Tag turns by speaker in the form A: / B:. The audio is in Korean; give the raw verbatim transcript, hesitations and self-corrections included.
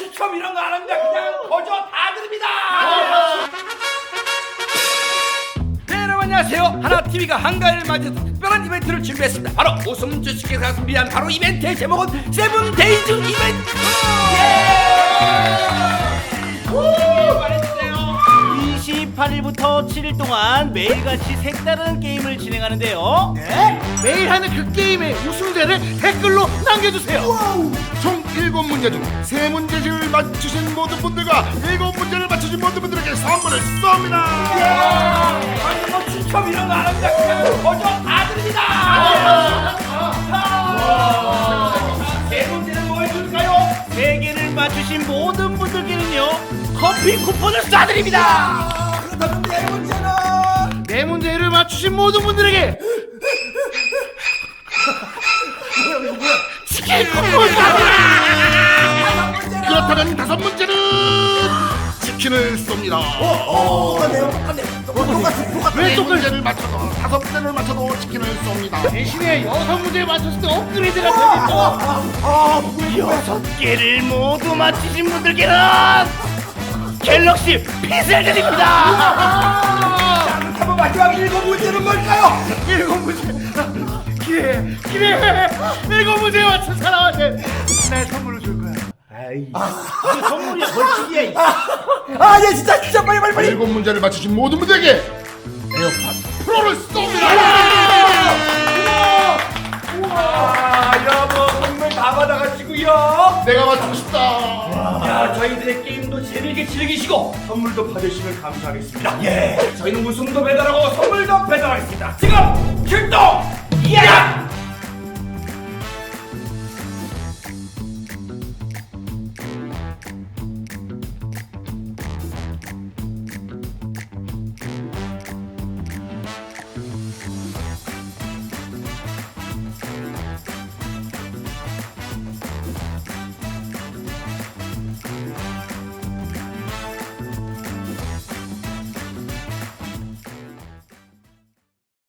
A: 추첨 이런 거 안 합니다. 그냥 거저 다 드립니다. 네, 여러분 안녕하세요. 하나티비가 한가위를 맞이해서 특별한 이벤트를 준비했습니다. 바로 웃음 주식회사가 준비한 바로 이벤트의 제목은 세븐데이즈 이벤트.
B: 이십팔 일부터 칠 일 동안 매일같이 색다른 게임을 진행하는데요.
C: 네? 매일 하는 그 게임의 우승자를 댓글로 남겨주세요.
D: 총 일곱 문제 중 세 문제를 맞추신 모든 분들과 일곱 문제를 맞추신 모든 분들에게 선물을 쏩니다.
A: 아니 뭐 추첨 이런 거 안 합니다. 그냥 거저 다 드립니다. 세 문제는 뭐 해줄까요?
B: 세 개를 맞추신 모든 분들께는요 커피 쿠폰을 쏴드립니다.
A: 그렇다면 네 문제는
C: 네 문제를 맞추신 모든 분들에게 치킨 쿠폰 쏩니다.
D: 그렇다면 다섯 문제는 치킨을 쏩니다.
C: 왜
D: 네
C: 똑같이
D: 문제를 맞춰도 다섯 문제를 맞춰도 치킨을 쏩니다.
C: 대신에 여섯 문제 맞췄을 때 업그레이드가 되겠죠.
B: 여섯 개를 모두 맞추신 분들께는 갤럭시 핏을 드립니다.
A: 그렇다면 마지막 일곱 문제는 뭘까요?
C: 일곱 문제 기회 기회 일곱 문제 맞춘 사람한테 내 선물을 줄 거야.
B: 이거 선물이야 벌칙이야.
A: 아, 예, 진짜, 진짜, 빨리, 빨리, 빨리.
D: 일곱 문제를 맞추신 모든 분들에게 에어팟 프로를 쏩니다.
A: 아, 여러분, 선물 다 받아가시고요.
D: 내가 맞추고 싶다.
A: 야, 저희들의 게임도 재밌게 즐기시고 선물도 받으시면 감사하겠습니다. 예, 저희는 우승도 배달하고 선물도 배달하겠습니다. 지금 출동! 야!